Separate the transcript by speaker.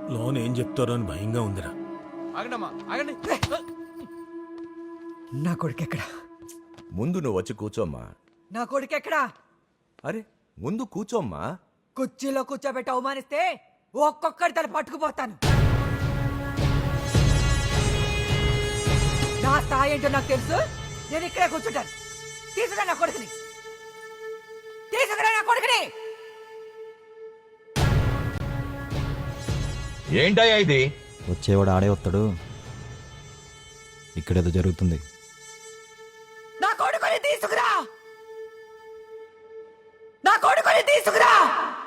Speaker 1: Loan ఏం చెప్తారో అని భయంగా ఉందిరా.
Speaker 2: ఆగండమ్మా ఆగండి.
Speaker 3: నా కొడుకెక్కడా?
Speaker 4: ముందు నువ్వు వచ్చి కూర్చోమ్మా.
Speaker 3: నా కొడుకెక్కడా?
Speaker 4: అరే ముందు కూర్చోమ్మా.
Speaker 3: కుర్చీలో కూర్చోబెట్టి అవమానిస్తే ఒక్కొక్కడి తల పట్టుకుపోతాను. నా స్థాయి ఏంటో నాకు తెలుసు. నేను ఇక్కడే కూర్చుంటాను. తీసుకురా నా కొడుకుని, తీసుకురా నా కొడుకుని.
Speaker 5: ఏంటయ్యా ఇది?
Speaker 6: వచ్చేవాడు ఆడే వస్తాడు. ఇక్కడేదో జరుగుతుంది.
Speaker 3: నా కొడుకుని తీసుకురా, నా కొడుకుని తీసుకురా.